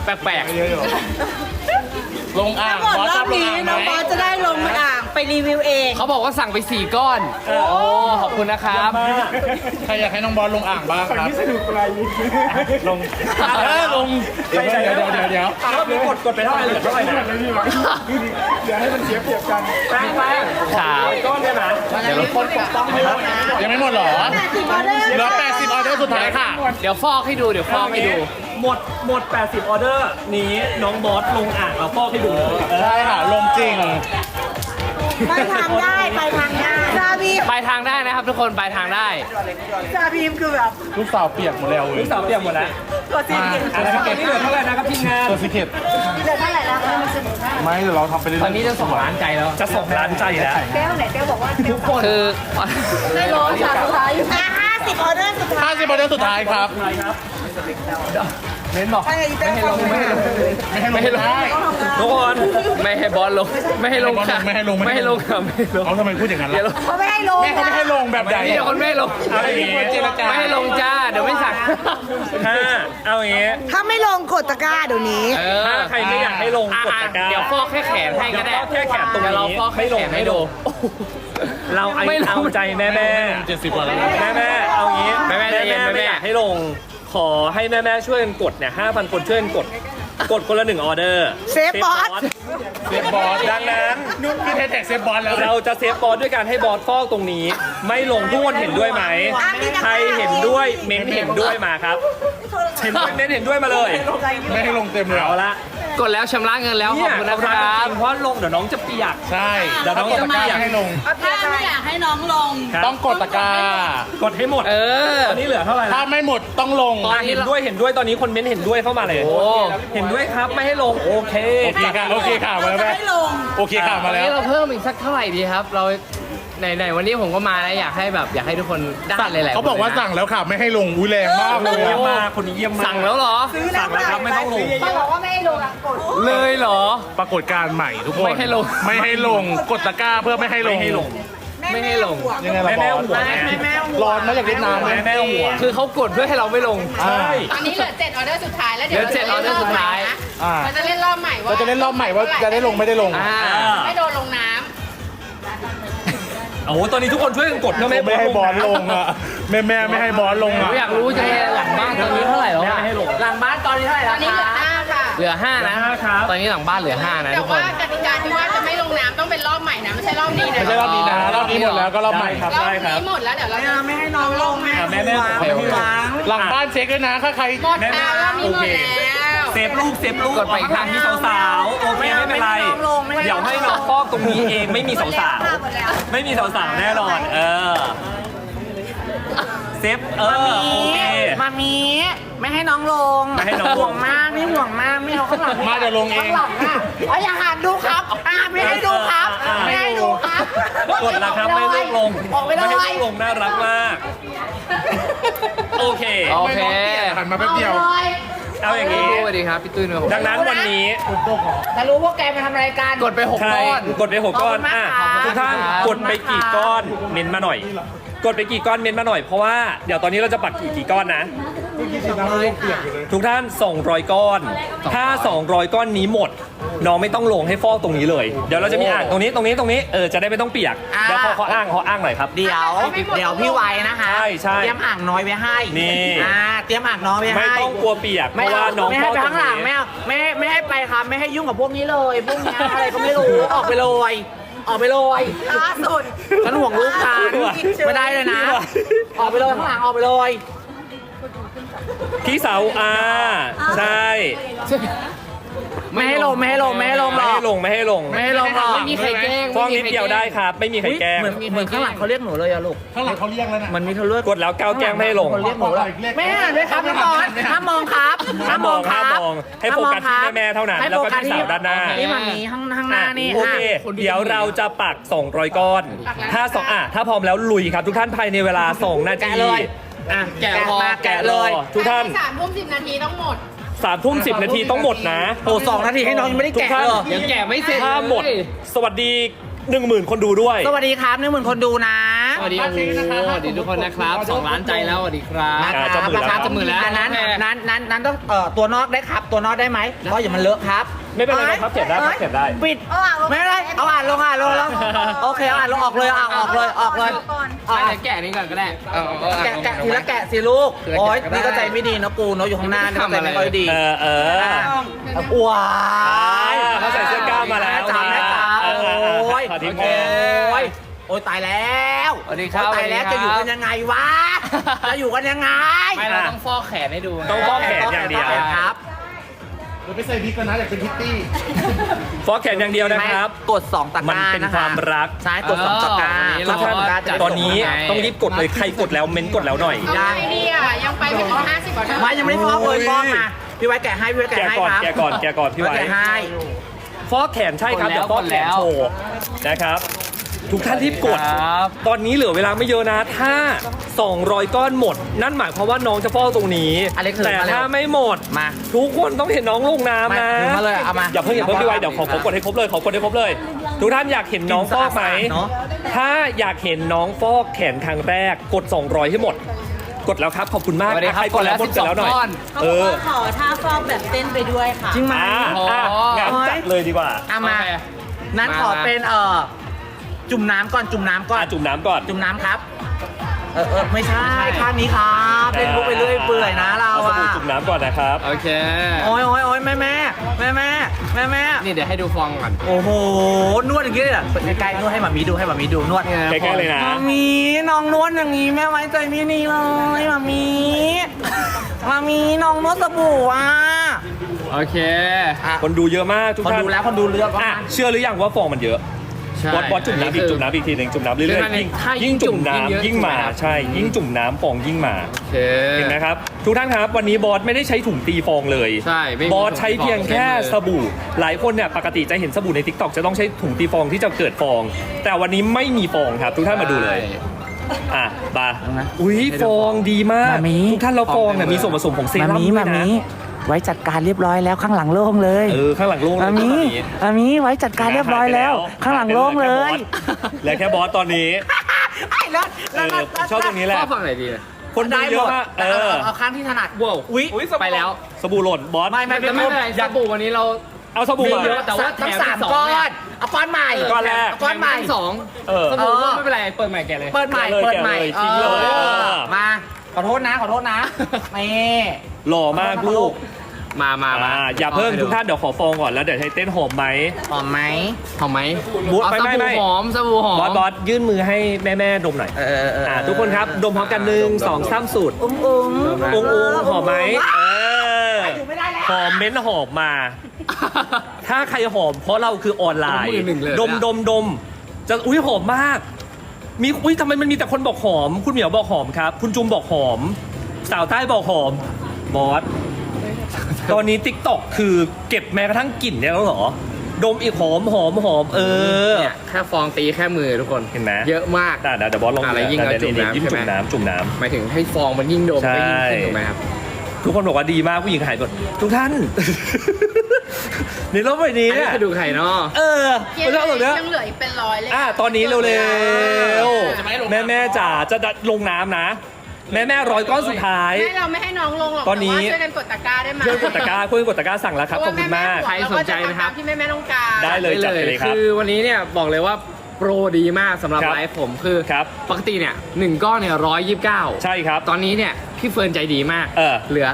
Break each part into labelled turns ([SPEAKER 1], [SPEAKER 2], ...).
[SPEAKER 1] แปลก
[SPEAKER 2] ลงอ่าง
[SPEAKER 3] ทั้งหมดรอบนี้น้องบอสจะได้ลงอ่างไปรีวิวเอง
[SPEAKER 1] ๆเขาบอกว่าสั่งไป4 ก้อนโอ้ขอบคุณนะครับ
[SPEAKER 2] ใครอยากให้น้องบอลลงอ่างบ้างครับ
[SPEAKER 4] ลง
[SPEAKER 2] ลงเดี๋ยว
[SPEAKER 4] รอบนี้กดไปเท่าไหร่เหลือเท่าไหร่นะ
[SPEAKER 1] ครับ
[SPEAKER 4] ก้อนได้ไหม
[SPEAKER 1] เดี๋ยวคนปกป้องให้ลดนะ
[SPEAKER 2] ยังไม่หมดเหรอ
[SPEAKER 3] 80 ออเดอร์
[SPEAKER 2] เหลือ80 ออเดอร์สุดท้ายค่ะ
[SPEAKER 1] เดี๋ยวฟอกให้ดูเดี๋ยวฟอกให้ดู
[SPEAKER 4] หมด 80 ออเดอร์นี้น้องบอสลงอ่างเอาฟอกให้ดูเลย
[SPEAKER 2] ใช่ค่ะ ลงจริง
[SPEAKER 3] ไปทางได้ไปทางได้ซาบีม
[SPEAKER 1] ไปทางได้นะครับทุกคนไปทางได้
[SPEAKER 3] ซาบีมคือแบบ
[SPEAKER 2] ลูกสาวเปียกหมดแล้วเว้
[SPEAKER 4] ลู
[SPEAKER 2] ย
[SPEAKER 4] กสาวเตรียมหมดแล้ว
[SPEAKER 3] ตัวจริง
[SPEAKER 4] นะครับตอนนี้เหลือเท่าไหร่นะครับทีมงาน
[SPEAKER 2] ตัวสิเกต
[SPEAKER 3] เหลือเท่าไหร่แล้วคะ
[SPEAKER 2] ไม่เดี๋ยวเราทำไปเรื่อยๆ
[SPEAKER 1] ตอนนี้จะ2 ล้านใจแล้ว
[SPEAKER 4] จะส่งร้านใจแล้ว
[SPEAKER 3] แก้วไหนแก้วบอกว่า
[SPEAKER 1] ทุกคนคือ
[SPEAKER 3] ได้ร้อยสุดท้ายอยู่50 ออเดอร์สุดท้าย
[SPEAKER 2] 50 ออเดอร์สุดท้ายครับ
[SPEAKER 1] เน้นบอก
[SPEAKER 3] ไปอีกแก้วไม่ให้ลง
[SPEAKER 2] ไม่ให้ลงได้
[SPEAKER 4] ทุกคน
[SPEAKER 1] ไม่ให้บอสลงไม่ให้ลงค่ะ
[SPEAKER 2] ไม่ให้ลง
[SPEAKER 1] ไม่ให้ลงค่ะไม่ให้ลง
[SPEAKER 2] เขาทำไมพูดอย่างนั้น
[SPEAKER 1] เดี๋ยว
[SPEAKER 2] ล่ะ
[SPEAKER 3] เขาไม่ให้ลง
[SPEAKER 2] แม่เขาไม่ให้ลงแบบใหญ่
[SPEAKER 1] เดี๋ยวคนไม่ให้ลง
[SPEAKER 4] เอาอย่างงี้
[SPEAKER 1] ไม่ให้ลงจ้าเดี๋ยวไม่สั่ง
[SPEAKER 4] เอาอย่างงี้
[SPEAKER 3] ถ้าไม่ลงกดตะกร้าเดี๋ยวนี้
[SPEAKER 1] เออ
[SPEAKER 4] ถ้าใครไม่อยากให้ลงกดตะกร้า
[SPEAKER 1] เดี๋ยวฟอกแค่แขนให้ก็ได้
[SPEAKER 4] เดี๋ยวฟอกแค่แขนตรงนี้
[SPEAKER 1] เดี๋ยวเราฟอกแค่แขนให้ดู
[SPEAKER 4] เรา
[SPEAKER 1] ไม่ลง
[SPEAKER 4] เอาใจแม่
[SPEAKER 2] 70 กว่าแล้ว
[SPEAKER 4] แม่เอางี้
[SPEAKER 1] แม่ใจเย็น
[SPEAKER 4] ไม่อยากให้ลง ขอให้แม่ช่วยกันกดเนี่ย 5,000 คนช่วยกันกดคนละ1 ออเดอร์
[SPEAKER 3] เซฟบอส
[SPEAKER 2] เซฟบอส
[SPEAKER 4] ดังนั้น
[SPEAKER 2] นุ่นคือแท็กเซฟบอสแล้ว
[SPEAKER 4] เราจะเซฟบอสด้วยการให้บอสฟอกตรงนี้ ไม่ลงทุกคนเห็นด้วยไหม ใครเห็นด้วยเม้นเห็นด้วยมาครับ เห็นด้วยเม้นเห็นด้วยมาเลย
[SPEAKER 2] ไม่ให้ลงเต็มเลย
[SPEAKER 4] เอาละ
[SPEAKER 1] กดแล้วชำระเงินแล้วขอบคุณนะค
[SPEAKER 4] เา
[SPEAKER 1] รับ
[SPEAKER 4] จงเพราะลงเดี๋ยวน้องจะเปียก
[SPEAKER 2] ใช่
[SPEAKER 4] เดี๋ยวน้อง
[SPEAKER 2] กดตะกร้าไม่ให้ลง
[SPEAKER 3] ถ้าไม่อยากให้น้องลง
[SPEAKER 4] ครับ
[SPEAKER 2] ต้องกดตะกร้า
[SPEAKER 4] กดให้หมด
[SPEAKER 1] เออ
[SPEAKER 4] ตอนนี้เหลือเท่าไหร่
[SPEAKER 2] ถ้า
[SPEAKER 4] ละ
[SPEAKER 2] ไม่หมดต้องลง
[SPEAKER 4] เห็นด้วยตอนนี้คนเม้นเห็นด้วยเข้ามาเลย
[SPEAKER 1] โอ้
[SPEAKER 4] เห็นด้วยครับไม่ให้ลงโอเค
[SPEAKER 2] โอเคค่ะ โอเคค่ะ มาแล้วแม่
[SPEAKER 3] ให้ลง
[SPEAKER 2] โอเคค่ะ มา
[SPEAKER 1] วัน
[SPEAKER 2] แล้ว
[SPEAKER 1] นี้เราเพิ่มอีกสักเท่าไหร่ดีครับ เราไหนวันนี้ผมก็มาแล้วอยากให้ทุกคนได้หลายๆ
[SPEAKER 2] เขาบอกว่า
[SPEAKER 1] คนลยนะ
[SPEAKER 2] สั่งแล้วค่ะ ไม่ให้ลง อุ้ยแรงมากเลย
[SPEAKER 4] เยี่ยม
[SPEAKER 2] อะ
[SPEAKER 4] มากคนนี้เยี่ยมมาก
[SPEAKER 1] สั่งแล้วเหรอ
[SPEAKER 4] สั่งแล้วครับไม่ต้องลง
[SPEAKER 3] เขาบอกว่าไม่ให้ลงกด
[SPEAKER 1] เลยเหรอ
[SPEAKER 2] ปรากฏการณ์ใหม่ทุกคน
[SPEAKER 1] ไม่ให้ลง
[SPEAKER 2] ไม่ให้ลง กดตะกร้าเพื่อไม่ให้ลง
[SPEAKER 4] ไม่ให้ลง
[SPEAKER 1] ไม่ให้ลง
[SPEAKER 2] ยังไงล่ะบ
[SPEAKER 4] แม่
[SPEAKER 2] อ
[SPEAKER 4] ห่วง
[SPEAKER 2] สร้อนไหมอยากเล่นน้ำไหม
[SPEAKER 4] แม่ห่วง
[SPEAKER 1] คือเขากดเพื่อให้เราไม่ลง
[SPEAKER 2] ใช่
[SPEAKER 5] ตอนนี้เหลือ7 ออเดอร์สุดท้ายแล้วเดี๋ยว
[SPEAKER 1] เหลือ7 ออเดอร์สุดท้าย
[SPEAKER 2] อ่า
[SPEAKER 5] เราจะเล่นรอบใหม่ว่า
[SPEAKER 2] เราจะเล่นรอบใหม่ว่าจะได้ลงไม่ได้ลง
[SPEAKER 1] อ่า
[SPEAKER 5] ไม่โดนลงน้
[SPEAKER 4] โอ้โหตอนนี้ทุกคนช่วยกันกดนะ
[SPEAKER 2] ไม่ให้บอลลงอ่ะแม่ไม่ให้บอลลง
[SPEAKER 1] ผม
[SPEAKER 2] อ่ะ
[SPEAKER 1] อยากรู้จะหลังบ้านตอนนี้เท่าไหร่แล้วอะหลังบ้านตอนนี้เท่าไหร่
[SPEAKER 5] ำต
[SPEAKER 1] แล้
[SPEAKER 5] อ
[SPEAKER 1] วน
[SPEAKER 5] นี้เหลือ
[SPEAKER 1] คะ
[SPEAKER 5] 5 ค่ะ
[SPEAKER 1] เหลือ5นะ
[SPEAKER 4] ครับ
[SPEAKER 1] ตอนนี้หลังบ้านเหลือ5นะ
[SPEAKER 5] แต่
[SPEAKER 1] ทุกค
[SPEAKER 5] ว่าน กติกาที่ว่าจะไม่ลงน้ำต้องเป็นรอบใหม่นะไม่ใช่รอบนี้นะ
[SPEAKER 2] ไม่ใช่รอบนี้นะรอบนี้หมดแล้วก็รอบใหม่
[SPEAKER 4] ครับ
[SPEAKER 5] รอบ
[SPEAKER 4] ได้ครับ
[SPEAKER 5] นี้หมดแล้วเดี๋ยวเราจะ
[SPEAKER 3] ไม่ให้น้องลง
[SPEAKER 4] แม่ห่วง
[SPEAKER 1] โอเค
[SPEAKER 2] หลังบ้านเช็คด้วยนะถ้าใคร
[SPEAKER 5] หมดแล้วรอบนี้หมดแล้ว
[SPEAKER 4] เซฟลูก
[SPEAKER 1] กดไปอีก
[SPEAKER 4] ทางที่สาวๆโอเคไม่เป็นไร เดี๋ยวให้น้องฟอกตรงนี้เองไม่มีสาวๆไม่มีสาวๆแน่นอนเซฟโอเค
[SPEAKER 3] มามีไม่ให้น้องลง
[SPEAKER 4] ไม่ให้น้องลง
[SPEAKER 3] ห่วงมากไม่ห่วงมากไม่เอาข้างหลัง
[SPEAKER 2] มาเดี๋ยวลงเอง
[SPEAKER 3] ข้างหลังอ่ะอย่าหันดูครับไม่ให้ดูครับไม่ให้ดูครับ
[SPEAKER 4] กดแล้วครับไม่ลูกลง
[SPEAKER 3] ออกไปเล
[SPEAKER 4] ไม่ให้
[SPEAKER 3] ย
[SPEAKER 4] ลูกลงน่ารักมากโอเค
[SPEAKER 1] โอเค
[SPEAKER 2] หันมาแป๊บเดียว
[SPEAKER 4] เอาอย่างนี้
[SPEAKER 1] สวัสดีครับพี่ตุ้ยนะครับ
[SPEAKER 4] ดังนั้นวันนี้
[SPEAKER 3] แต่รู้พวกแกมาทำรายการ
[SPEAKER 1] กดไป6
[SPEAKER 4] ใคร
[SPEAKER 1] ก้อน
[SPEAKER 4] กดไป6 ก้อน
[SPEAKER 3] ขอบคุณมากค่ะ
[SPEAKER 4] ทุกท่าน
[SPEAKER 1] ขอบ
[SPEAKER 4] ก
[SPEAKER 1] คุ
[SPEAKER 4] ด
[SPEAKER 1] ณ
[SPEAKER 4] ไป
[SPEAKER 1] มากค่ะ
[SPEAKER 4] กี่ก้อนเม้นมาหน่อย กดไปกี่ก้อนเม้นมาหน่อยเพราะว่าเดี๋ยวตอนนี้เราจะปักกี่ก้อนนะ ทุกท่าน200 ก้อน ถ้า 200 ก้อนนี้หมด น้องไม่ต้องลงให้ฟอกตรงนี้เลย เดี๋ยวเราจะมีอ่างตรงนี้จะได้ไม่ต้องเปียกเดี๋ยวเขาอ้างหน่อยครับ
[SPEAKER 3] เดี๋ยวพี่ไว้นะคะ
[SPEAKER 4] ใช่
[SPEAKER 3] เตรียมอ่างน้อยไว้ให้
[SPEAKER 4] นี่
[SPEAKER 3] เตรียมอ่างน้อยไว้ให้
[SPEAKER 4] ไม่ต้องกลัวเปียกเพราะว่าน้อง
[SPEAKER 3] ไม่
[SPEAKER 4] ฟ
[SPEAKER 3] ให้
[SPEAKER 4] อก
[SPEAKER 3] ไป
[SPEAKER 4] ตร
[SPEAKER 3] ข้าง งหลัง
[SPEAKER 4] นี้
[SPEAKER 3] ไม่เอาไม่ให้ไปครับไม่ให้ยุ่งกับพวกนี้เลยพวกเนี้ยอะไรก็ไม่รู้ออกไปเลยออกไปเลยล่าสุดฉันห่วงลูกฉันไม่ได้เลยนะ ออกไปเลยข้างหลังออกไปเลย
[SPEAKER 4] พี่เสาใช่
[SPEAKER 3] ไม่ให้ลงหร
[SPEAKER 4] ไม่
[SPEAKER 3] อก
[SPEAKER 4] ให้ลง
[SPEAKER 3] ไม่ให้ลงหรอก
[SPEAKER 1] ไม่มีใครแกล้ง
[SPEAKER 4] ฟอกนิดเดียวได้ครับ ไม่มีใครแกล้ง
[SPEAKER 3] เหมือนข้างหลังเขาเรียกหนูเลยอะลูก
[SPEAKER 2] ข้างหลังเขาเรียกแล้วนะ
[SPEAKER 3] มันมีเธอเลือก
[SPEAKER 4] กดแล้วก้าวแกล้งไม่ให้ลง
[SPEAKER 3] คนเรียกหนูเลยไม่ให้ด้วยครับพี่บอสห้ามมองครับ
[SPEAKER 4] ห้ามมองให้โฟกัสที่แม่ๆเท่านั้น
[SPEAKER 3] ให้
[SPEAKER 4] แล้ว
[SPEAKER 3] โฟ
[SPEAKER 4] ก็
[SPEAKER 3] กัส
[SPEAKER 4] ที่
[SPEAKER 3] ที่
[SPEAKER 4] สาวด้านหน้า
[SPEAKER 3] นี่มันมีข้างหน้านี่
[SPEAKER 4] โอเค เดี๋ยวเราจะปัก200 ก้อน ถ้าพร้อมแล้วลุยครับ ทุกท่านภายในเวลา2 นาที
[SPEAKER 3] แกะเลย
[SPEAKER 1] แกะพอ
[SPEAKER 3] แกะเลย
[SPEAKER 4] ทุกท่าน
[SPEAKER 5] 3 ทุ่ม 10 นาทีต้องหมด
[SPEAKER 4] 3 ทุ่ม 10 นาทีต้องหมดนะ
[SPEAKER 3] โอ้2 นาทีให้น้องยังไม่ได้แกะ
[SPEAKER 4] ทุกท่าน
[SPEAKER 3] เลย
[SPEAKER 1] ยังแกะไม่เสร็จ
[SPEAKER 4] ถ้าหมด
[SPEAKER 1] เลย
[SPEAKER 4] สวัสดี 10,000 คนดูด้วย
[SPEAKER 3] สวัสดีครับ10,000 คนดูนะ
[SPEAKER 1] สวัสดีโอ้โหสวัสดีทุกคนนะครับ2 ล้านใจแล้วสวัสดีครับ
[SPEAKER 3] นะครับ
[SPEAKER 4] จะหมื่นแล้ว
[SPEAKER 1] จะหมื่นแล้ว
[SPEAKER 3] อันนั้นต้องตัวนอกได้ครับ ตัวนอกได้ไหมเพราะอย่ามันเลอะครับ
[SPEAKER 4] ไม่เป็นไรนะครับเขียนได้ครับเขียนได้
[SPEAKER 3] ปิดไม่เป็นไรเอาอ่านลงแล้วโอเคเอาอ่านลงออกเลยออกเลย
[SPEAKER 1] ไม่ได้แกะนี่ก่อนก็ได้
[SPEAKER 3] แกะทีละแกะสิลูกโอ๊ยนี่ก็ใจไม่ดีนะกูเนาะอยู่ข้างหน้านี่ก็ใจไม่ค่อยดี ว้า
[SPEAKER 4] เขาใส่เสื้อกล้ามมาแล้ว
[SPEAKER 3] จ้าแม่จ้าโอ้ย
[SPEAKER 4] ขอทิ้ง
[SPEAKER 3] โอ้ยตายแล้ว
[SPEAKER 1] สวัสดีครับ
[SPEAKER 3] ตายแล้วจะอยู่กันยังไงวะจะอยู่กันยังไง
[SPEAKER 1] ไม่เราต้องฟอกแขนให้ดู
[SPEAKER 4] ต้องฟอกแขนอย่างเดียว
[SPEAKER 3] ครับ
[SPEAKER 2] เดี๋ยวไปใส่บิ๊กกันนะอยากเป็นพิตตี้
[SPEAKER 4] ฟอกแขนอย่างเดียวนะครับ
[SPEAKER 3] กด2ตะกร้า
[SPEAKER 4] มันเป็นความรัก
[SPEAKER 3] ใช่กด2ตะกร้า
[SPEAKER 4] ทุกท่านตอนนี้ต้องรีบกดเลยใครกดแล้วเม้นกดแล้วหน่อย
[SPEAKER 5] เอาไงดีอ่ะยังไปไม่ถึง50กว่าเท่า
[SPEAKER 3] ไม่ยังไม่ได้ฟอกเลยฟอกมาพี่ไว้แกะให้พี่ไว้แกะ
[SPEAKER 4] แกะ
[SPEAKER 3] ให้
[SPEAKER 4] ก่อน
[SPEAKER 3] ครับ
[SPEAKER 4] แกะก่อนพี่ไว้
[SPEAKER 3] แกะให้
[SPEAKER 4] ฟอกแขนใช่ครับเดี๋ยวฟอกแขนโชว์นะครับ ทุกท่านรีบกด
[SPEAKER 1] ครับ
[SPEAKER 4] ตอนนี้เหลือเวลาไม่เยอะนะ ถ้า 200 ก้อนหมด นั่นหมายความว่าน้องจะฟอกตรงนี้
[SPEAKER 3] อเล็กซ์
[SPEAKER 4] แต่
[SPEAKER 3] มาเร็ว
[SPEAKER 4] ถ้าไม่หมด
[SPEAKER 3] มา
[SPEAKER 4] ทุกคนต้องเห็นน้องลงน้ำนะ
[SPEAKER 3] มาเลยเอามา
[SPEAKER 4] อย่าเพิ่งพี่ไว้เดี๋ยวขอกดให้ครบเลยทุกท่านอยากเห็นน้องฟอกไหม
[SPEAKER 3] เนาะ
[SPEAKER 4] ถ้าอยากเห็นน้องฟอกแขนครั้งแรกกด 200 ให้หมด กดแล้วครับขอบคุณมาก
[SPEAKER 1] สวัสดีครับ
[SPEAKER 4] ใครกดแล้วกดแล้วหน่อย
[SPEAKER 1] 12ก้อน
[SPEAKER 6] เขาบอกว่าขอท่าฟอกแบบเต้นไปด้วยค่ะ
[SPEAKER 3] จริงไหม
[SPEAKER 4] งั้นจัดเลยดีกว่า
[SPEAKER 3] เอามา
[SPEAKER 1] โอเค
[SPEAKER 3] นั้นขอเป็นจุ่มน้ำก่อนจุ่มน้ำก่อน
[SPEAKER 4] จุ่มน้ำก่อน
[SPEAKER 3] จุ่มน้ำครับไม่ใช่ข้างนี้ครับเล่นมุกไปเรื่อยเปื่อยนะเรา
[SPEAKER 4] เอาส
[SPEAKER 3] อะ
[SPEAKER 4] บู่จุ่มน้ำก่อนนะครับ
[SPEAKER 1] โอเค
[SPEAKER 3] โอ้ยแม่
[SPEAKER 1] นี่เดี๋ยวให้ดูฟองก่อน
[SPEAKER 3] โอ้โหนวดอย่างนี้เลยเหรอใกล้ๆนวดให้หมามีดูนวด
[SPEAKER 4] ใกล้ๆเลยนะ
[SPEAKER 3] หมามีน้องนวดอย่างนี้แม่ไว้ใจไม่นี่เลยหมามีน้องนวดสบู่อ่ะ
[SPEAKER 1] โอเค
[SPEAKER 4] คนดูเยอะมากทุก
[SPEAKER 3] คน
[SPEAKER 4] ท่าน
[SPEAKER 3] ดูแล้วคนดูเลือก
[SPEAKER 4] อ่ะเชื่อหรือยังว่าฟองมันเยอะ
[SPEAKER 1] ใช่
[SPEAKER 4] บอสจุ่มน้ำอีกจุ่มน้ำอีกทีหนึ่งจุ่มน้ำเรื่อย
[SPEAKER 1] คือ
[SPEAKER 4] ๆ
[SPEAKER 1] ถ้ายิ่
[SPEAKER 4] ยิ่
[SPEAKER 1] ง
[SPEAKER 4] งจุ่ม
[SPEAKER 1] จุ่มยิ่งเยอะ
[SPEAKER 4] น้ำยิ่งมา
[SPEAKER 1] ถูกไหมครับ
[SPEAKER 4] ใช่ยิ่งจุ่มน้ำฟองยิ่งมา
[SPEAKER 1] โอเค
[SPEAKER 4] เห็นไหมครับทุกท่านครับวันนี้บอสไม่ได้ใช้ถุงตีฟองเลย
[SPEAKER 1] ใช่ไม่มี
[SPEAKER 4] บอสใช้เพียงแค่
[SPEAKER 1] ถุงตีฟอง
[SPEAKER 4] สบู่หลายคนเนี่ยปกติจะเห็นสบู่ใน TikTok จะต้องใช้ถุงตีฟองที่จะเกิดฟอง แต่วันนี้ไม่มีฟองครับ ทุกท่านมาดูเลยอ่ะบาอุ้ยฟองดีมากทุกท่านแล้วฟองเนี่ยมีส่วนผสมของเซรั่มด้วยนะ
[SPEAKER 3] ไว้จัดการเรียบร้อยแล้วข้างหลังโล่งเลย
[SPEAKER 4] ข้างหลังโล่งเลย
[SPEAKER 3] มามีไว้จัดการเรียบร้อยแล้ว ข้างหลังโล่งเลย
[SPEAKER 4] เหลือแค่บอสตอนนี้
[SPEAKER 3] ไอ้แล้ว
[SPEAKER 4] ผมชอบตรงนี้แหละ
[SPEAKER 1] ฟอกฝั่งไหนดี
[SPEAKER 4] คนดูเยอะมาก
[SPEAKER 3] เอาข้างที่ถนัด
[SPEAKER 1] ว้าว
[SPEAKER 3] อุ๊ย
[SPEAKER 1] ไปแล้ว
[SPEAKER 4] สบู่หล่นบอส
[SPEAKER 3] ไม่
[SPEAKER 1] แต่ไม่เป็นไรสบู่วันนี้เรา
[SPEAKER 4] เอาสบู่
[SPEAKER 1] มี
[SPEAKER 4] มา
[SPEAKER 1] เยอะแต่ว่าแถ
[SPEAKER 3] ทั้ง
[SPEAKER 1] ม
[SPEAKER 3] สาม
[SPEAKER 1] สอง
[SPEAKER 3] ก้อ
[SPEAKER 1] เนี่ย
[SPEAKER 3] นเอาก้อนใหม่
[SPEAKER 4] ก้อนแรก
[SPEAKER 3] ก้อนใหม่
[SPEAKER 1] สอง
[SPEAKER 4] เออ
[SPEAKER 1] สบู่ก็ไม่เป็นไรเปิดใหม่แกเลย
[SPEAKER 3] เปิดใหม่
[SPEAKER 4] แกะเลย
[SPEAKER 3] เปิดใหม่
[SPEAKER 4] แกะเลยทิ้งเลย
[SPEAKER 3] มาขอโทษนะนี่
[SPEAKER 4] หล่อมากลูก
[SPEAKER 1] มา
[SPEAKER 4] อย่าเพิ่งทุกท่านเดี๋ยวขอฟองก่อนแล้วเดี๋ยวให้เต้นหอมไหม
[SPEAKER 3] หอมไหม
[SPEAKER 1] หอมไหม
[SPEAKER 4] บุ๊ด
[SPEAKER 1] เอา
[SPEAKER 4] ไม่
[SPEAKER 1] ส
[SPEAKER 4] ไม่
[SPEAKER 1] บู่หอมสบู่หอม
[SPEAKER 4] บอสยื่นมือให้แม่ดมหน่อยทุกคนครับดมพร้อมกัน1 2 3สูตร
[SPEAKER 3] อุ้ง
[SPEAKER 4] องหอมไหมหอมเม้นหอมมา ถ้าใครหอมเพราะเราคือออนไลน์
[SPEAKER 1] มือหนึ่งเลย
[SPEAKER 4] ดมจะอุ้ยหอมมากมีอุ้ยทำไมมันมีแต่คนบอกหอม คุณเหมียวบอกหอมครับ คุณจุมบอกหอม สาวใต้บอกหอมบอสตอนนี้ TikTok คือเก็บแม้กระทั่งกลิ่นเนี่ยแล้วเหรอ ดมอีกหอม
[SPEAKER 1] เนี่ยแค่ฟองตีแค่มือทุกคน
[SPEAKER 4] เห็นไหม
[SPEAKER 1] เยอะมาก
[SPEAKER 4] เดี๋ยวบอสลอง
[SPEAKER 1] อะไรยิ่งเอาจุ่มน้ำ
[SPEAKER 4] ยิ่ง
[SPEAKER 1] ใช่ไหม
[SPEAKER 4] จุ่มน้ำ
[SPEAKER 1] หมายถึงให้ฟองมันยิ่งดม
[SPEAKER 4] ใช่
[SPEAKER 1] ก็ยิ่งขึ้นถูกไหมครับ
[SPEAKER 4] ทุกคนบอกว่าดีมากผู้หญิงหายหมดทุกท่าน ในโลกใบนี้
[SPEAKER 1] อันนี้
[SPEAKER 4] เนี่ย
[SPEAKER 1] คือดูไข่เนาะ
[SPEAKER 4] มันชอบแบบเนี้ย
[SPEAKER 5] ยังเหลืออีกเป็นร้อยเลย
[SPEAKER 4] ตอนนี้เร็วๆแม่จ๋าจะลงน้ำนะ แม่100 ก้อนสุดท้าย
[SPEAKER 5] ไม่เราไม่ให้น้องลงหรอก
[SPEAKER 4] ตอนนี้
[SPEAKER 5] แต่ว่าช่วยกันกดตะกร้าได้ไหม
[SPEAKER 4] ช่วยกดตะกร้าสั่งแล้วครับขอบคุณมาก
[SPEAKER 1] ใครสนใจนะครับ
[SPEAKER 5] ที่แม่ต้องการ
[SPEAKER 4] ได้เลยจัดไปเลยครับ
[SPEAKER 1] คือวันนี้เนี่ยบอกเลยว่าโปรดีมากสำหรับ
[SPEAKER 4] ครับ
[SPEAKER 1] ไลฟ์ผมคือ
[SPEAKER 4] ครับ
[SPEAKER 1] ปกติเนี่ย1ก้อนเนี่ย129
[SPEAKER 4] ใช่ครับ
[SPEAKER 1] ตอนนี้เนี่ยพี่เฟิร์นใจดีมาก เหลือ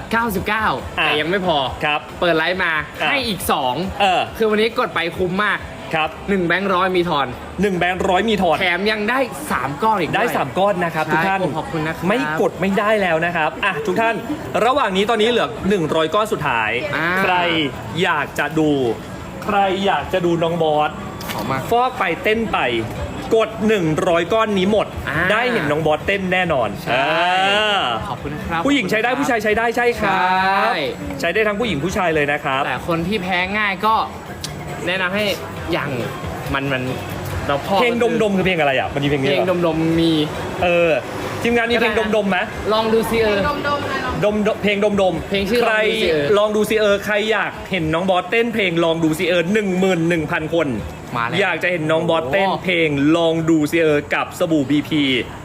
[SPEAKER 1] 99 แต่ยังไม่พอ
[SPEAKER 4] ครับ
[SPEAKER 1] เปิดไลฟ์มา
[SPEAKER 4] อ่ะ
[SPEAKER 1] ให้อีก
[SPEAKER 4] เออ
[SPEAKER 1] 2 คือวันนี้กดไปคุ้มมาก
[SPEAKER 4] ครับ
[SPEAKER 1] 1 แบงค์ร้อยมีทอน
[SPEAKER 4] 1 แบงค์100มีถอด
[SPEAKER 1] แถมยังได้ 3 ก้อนอีก
[SPEAKER 4] ได้
[SPEAKER 1] วย
[SPEAKER 4] 3 ก้อนนะครับ
[SPEAKER 1] ใช่
[SPEAKER 4] ทุกท่าน
[SPEAKER 1] ขอบคุณนะครับ
[SPEAKER 4] ไม่กดไม่ได้แล้วนะครับทุกท่านระหว่างนี้ตอนนี้เหลือ100 ก้อนสุดท้าย ใครอยากจะดู ใครอยากจะดูน้องบอส
[SPEAKER 1] ขอบมาก
[SPEAKER 4] ฟอกไปเต้นไป กด 100 ก้อนนี้หมด
[SPEAKER 1] อ่า
[SPEAKER 4] ได้เห็นน้องบอสเต้นแน่นอน
[SPEAKER 1] ใช่ ขอบคุณนะครับ
[SPEAKER 4] ผู้หญิงใช้ได้ผู้ชายใช้ได้ใช่ครับ
[SPEAKER 1] ใช่
[SPEAKER 4] ใช้ได้ทั้งผู้หญิงผู้ชายเลยนะครับ
[SPEAKER 1] แต่คนที่แพ้ง่ายก็แนะนำให้อย่างมันเราพอ
[SPEAKER 4] เพลงดมคือเพลงอะไรอ่ะมันมีเพลง
[SPEAKER 1] เพ
[SPEAKER 4] นี้
[SPEAKER 1] ลง
[SPEAKER 4] เหรอ
[SPEAKER 1] ดมมี
[SPEAKER 4] ทีมงานมีเพลงดมไหม
[SPEAKER 1] ลองดูซิ
[SPEAKER 5] ดมๆเลยเนาะ
[SPEAKER 4] เพลงดม
[SPEAKER 1] เพลงชื่อ
[SPEAKER 4] ใคร
[SPEAKER 1] ลองดูซิ
[SPEAKER 4] ลองดูซิใครอยากเห็นน้องบอสเต้นเพลงลองดูซิ11,000 คน
[SPEAKER 1] มาแล้ว
[SPEAKER 4] อยากจะเห็นน้องบอสเต้นเพลงลองดูซิกับสบู่ BP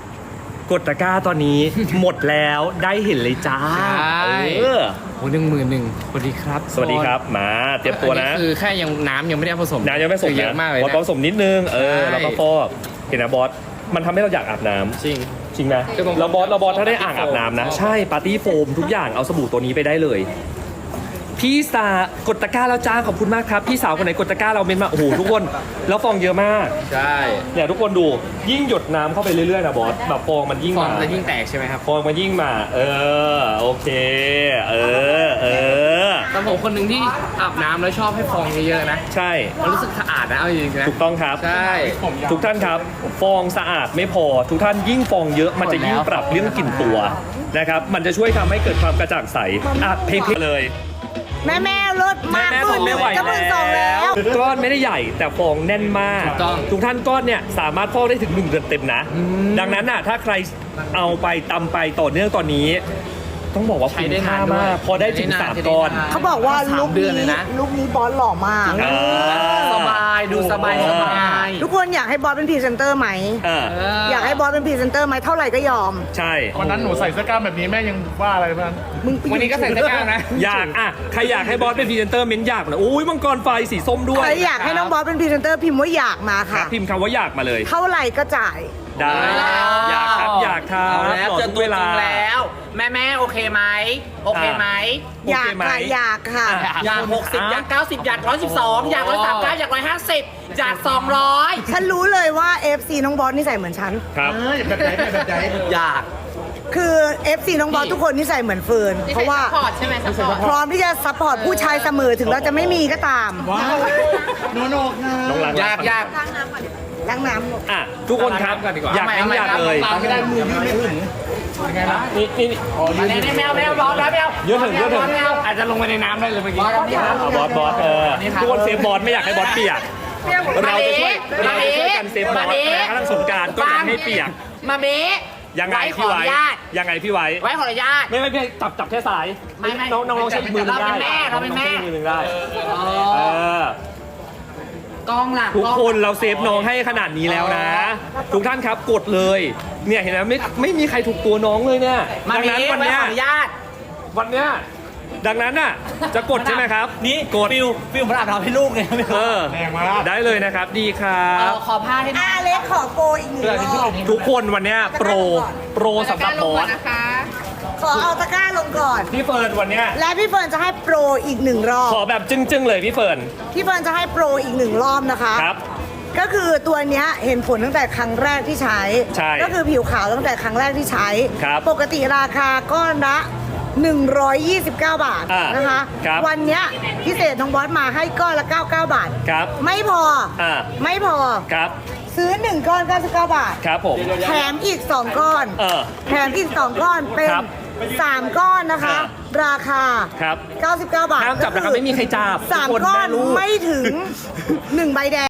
[SPEAKER 4] กดตะกร้าตอนนี้ หมดแล้วได้เห็นเลยจ้า
[SPEAKER 1] ใช่
[SPEAKER 4] เออ
[SPEAKER 1] โอ้11,000สวัสดีครับ
[SPEAKER 4] สวัสดีครับมาเตรียมตัวนะ
[SPEAKER 1] อัคือแค่ยังน้ำยังไม่ได้ผสม
[SPEAKER 4] น้ำยังไม่ผสม
[SPEAKER 1] คือเย
[SPEAKER 4] นะ
[SPEAKER 1] อะมากเลย
[SPEAKER 4] บอส
[SPEAKER 1] นะ
[SPEAKER 4] ผสมนิดนึง
[SPEAKER 1] ใช่
[SPEAKER 4] แล้วก็ฟอกเห็นนะบอสมันทำให้เราอยากอาบน้ำ
[SPEAKER 1] จริง
[SPEAKER 4] จริงนะ
[SPEAKER 1] คือผม
[SPEAKER 4] แล้วบอสถ้าได้อ่างอาบน้ำนะ ใช่ปาร์ตี้โฟมทุกอย่างเอาสบู่ตัวนี้ไปได้เลย พี่สากดตะกร้าแล้วจ้าขอบคุณมากครับพี่สาวคนไหนกดตะกร้าเราเมนมาโอ้โหทุกคนแล้วฟองเยอะมาก
[SPEAKER 1] ใช่
[SPEAKER 4] เนี่ยทุกคนดูยิ่งหยดน้ำเข้าไปเรื่อยๆนะบอสแบบฟองมันยิ่ง
[SPEAKER 1] ฟอง
[SPEAKER 4] มา
[SPEAKER 1] จะยิ่งแตกใช่ไหมครับ
[SPEAKER 4] ฟองมันยิ่งมา โอเคเออ
[SPEAKER 1] แต่ผมคนหนึ่งที่อาบน้ำแล้วชอบให้ฟองเยอะๆนะ
[SPEAKER 4] ใช่
[SPEAKER 1] มันรู้สึกสะอาดนะเอาจริงๆนะ
[SPEAKER 4] ถูกต้องครับ
[SPEAKER 1] ใช่
[SPEAKER 4] ทุกท่านครับฟองสะอาดไม่พอ ทุกท่านยิ่งฟองเยอะมันจะยิ่งปรับเรื่องกลิ่นตัวนะครับมันจะช่วยทำให้เกิดความกระจ่างใสเพลงเลย
[SPEAKER 7] แม่รถมาก
[SPEAKER 4] แม่ทนไม่ไหว
[SPEAKER 7] จะหมื่นสองแล้ว
[SPEAKER 4] ก้อนไม่ได้ใหญ่แต่ฟองแน่นมาก
[SPEAKER 1] ถูกต้อง
[SPEAKER 4] ทุกท่านก้อนเนี่ยสามารถฟอกได้ถึง1 เดือนเต็มนะ ดังนั้นน่ะถ้าใครเอาไปตำไปต่อเนื่องตอนนี้ ต้องบอกว่า
[SPEAKER 1] ใช้
[SPEAKER 4] คุ้ม
[SPEAKER 1] ได้
[SPEAKER 4] ค่าน
[SPEAKER 1] านด้วย
[SPEAKER 4] มากพอได้ถึง
[SPEAKER 1] ใช้นาน
[SPEAKER 4] 3 ก้อน
[SPEAKER 7] เขาบอกว่า
[SPEAKER 1] สาม
[SPEAKER 7] ลุค
[SPEAKER 1] เดือน
[SPEAKER 7] นี้
[SPEAKER 1] เลยนะ
[SPEAKER 7] ลุคนี้บอสหล่อมาก
[SPEAKER 4] อ่า
[SPEAKER 3] สบายดูสบายสบาย
[SPEAKER 7] ทุกคนอยากให้บอสเป็นพรีเซนเตอร์ไหม อยากให้บอสเป็นพรีเซนเตอร์ไหมเท่าไหร่ก็ยอม
[SPEAKER 4] ใช่
[SPEAKER 2] วันนั้นหนูใส่เสื้อกล้ามแบบนี้แม่ยังว่าอะไรบ้าง
[SPEAKER 7] มึง
[SPEAKER 1] วันนี้ก็ใส่เสื้อกล้ามนะ
[SPEAKER 4] อยากอ่ะใครอยากให้บอสเป็นพรีเซนเตอร์เม้นอยากนะอุ้ยมังกรไฟสีส้มด้วย
[SPEAKER 7] ใครอยากให้น้องบอสเป็นพรีเซนเตอร์พิมพ์ว่าอยากมา
[SPEAKER 4] ครั
[SPEAKER 7] ค่ะ
[SPEAKER 4] บพิมพ์คำว่าอยากมาเลย
[SPEAKER 7] เท่าไหร่ก็จ่าย
[SPEAKER 4] ได้อยากครับอยากครับ
[SPEAKER 3] เอาแล้ว
[SPEAKER 4] ร
[SPEAKER 3] เจอ
[SPEAKER 4] ทุก
[SPEAKER 3] ตัวจริงแล้ว แม่โอเคไหมโอเคไหม
[SPEAKER 7] อยาก
[SPEAKER 4] โเคไหม
[SPEAKER 7] ค่ะอยากค่ะ
[SPEAKER 4] อ่ะ
[SPEAKER 3] อยาก60อยาก90อยาก112อยาก139อยาก150อยาก200
[SPEAKER 7] ฉันรู้เลยว่า FC น้องบอสนิสัยเหมือนฉัน
[SPEAKER 4] ครับ
[SPEAKER 2] แบบไหนแบบไหน
[SPEAKER 3] อยาก
[SPEAKER 7] คือ FC น้องบอสทุกคนนิสัยเหมือนเฟิร์น
[SPEAKER 5] ที่
[SPEAKER 7] เพ
[SPEAKER 5] ใส่
[SPEAKER 7] ราะว่า
[SPEAKER 5] ซัพพอร์ตใช่ไหมซัพพอร์ต
[SPEAKER 7] พร้อมที่จะซัพพอร์ตผู้ชายเสมอถึงเราจะไม่มีก็ตาม
[SPEAKER 2] ว้าวโนค่ะ
[SPEAKER 4] น้องรัก
[SPEAKER 3] อยาก
[SPEAKER 7] ล้างน้ำ
[SPEAKER 4] อ่ะทุกคนครับ
[SPEAKER 1] ก่อนดีกว่า
[SPEAKER 4] อยากให้อยากเลย
[SPEAKER 2] ตามไม่ได้มือยืดไม่ถึงยังไงนะ
[SPEAKER 4] นี่
[SPEAKER 3] มาเล่นแมวร้อนแล้วแมว
[SPEAKER 4] เยอะถึง
[SPEAKER 1] อาจจะลงไปในน้ำได้เลยเมื่อกี้
[SPEAKER 4] บอสทุกคนเซฟบอสไม่อยากให้บอสเปียกเราจะช่วยกันเซฟบอสนะครั้งสงกรารก็อยากให้เปียก
[SPEAKER 3] มาเบ๊
[SPEAKER 4] ยังไงพี่ไว้ยังไงพี่ไว้
[SPEAKER 3] ไว้ขออนุญาต
[SPEAKER 4] ไม่จับแค่สาย
[SPEAKER 3] ไม่
[SPEAKER 4] น้องใช้อีกมือหนึงได้
[SPEAKER 3] เราเป็นแม่
[SPEAKER 4] องใช้อีกมือหนึงได้อ
[SPEAKER 3] กล้องหลัก
[SPEAKER 4] ทุกคนเราเซฟน้องให้ขนาดนี้แล้วนะ ทุกท่านครับกดเลยเนี่ยเห็นไหมไม่มีใครถูกตัวน้องเลยเนี่ย
[SPEAKER 3] มา
[SPEAKER 4] ดัง
[SPEAKER 3] เบ๊
[SPEAKER 4] นั้นวัน
[SPEAKER 3] ไว้
[SPEAKER 4] เนี้ย
[SPEAKER 3] ขออนุญาต
[SPEAKER 4] วันเนี้ยดังนั้นน่ะจะกดใช่ไหมครับนี่กด
[SPEAKER 3] ฟิลมันอาบน้ำให้ลูกไง
[SPEAKER 2] แรงมาก
[SPEAKER 4] ได้เลยนะครับดีครับ
[SPEAKER 3] ขอผ้าให้หน่อย
[SPEAKER 7] อาเล็กขอโปรอีกหนึ่งรอบ
[SPEAKER 4] ทุกคนวันเนี้ยโปรสำหรับบอส
[SPEAKER 5] นะคะ
[SPEAKER 7] ขอเอาตะกร้าลงก่อน
[SPEAKER 4] พี่เฟิร์นวันเนี้ย
[SPEAKER 7] และพี่เฟิร์นจะให้โปรอีกหนึ่งรอบ
[SPEAKER 4] ขอแบบจึ้งๆเลยพี่เฟิร์น
[SPEAKER 7] พี่เฟิร์นจะให้โปรอีกหนึ่งรอบนะคะ
[SPEAKER 4] ครับ
[SPEAKER 7] ก็คือตัวเนี้ยเห็นผลตั้งแต่ครั้งแรกที่ใช้
[SPEAKER 4] ใช่
[SPEAKER 7] ก็คือผิวขาวตั้งแต่ครั้งแรกที่ใช้
[SPEAKER 4] ครับ
[SPEAKER 7] ปกติราคาก้อนละ129 บาท
[SPEAKER 4] อ่า
[SPEAKER 7] นะคะ
[SPEAKER 4] ครับ
[SPEAKER 7] วันเนี้ยพิเศษน้องบอสมาให้ก้อนละ99 บาท
[SPEAKER 4] ครับ
[SPEAKER 7] ไม่พอ
[SPEAKER 4] อ่า
[SPEAKER 7] ไม่พอ
[SPEAKER 4] ครับ
[SPEAKER 7] ซื้อ 1 ก้อน 99 บาท
[SPEAKER 4] ครับผม
[SPEAKER 7] แถมอีก 2 ก้อน แถมอีก 2 ก้อนเป็น
[SPEAKER 4] ครับ
[SPEAKER 7] 3 ก้อนนะคะ
[SPEAKER 4] อ่า
[SPEAKER 7] ราคา
[SPEAKER 4] ครับ
[SPEAKER 7] 99 บาท
[SPEAKER 4] ห้ามจับนะครับไม่มีใครจับ
[SPEAKER 7] สาม
[SPEAKER 4] ทุกคน
[SPEAKER 7] ก้อน
[SPEAKER 4] แม่ลูก
[SPEAKER 7] ไม่ถึง 1 ใบแดง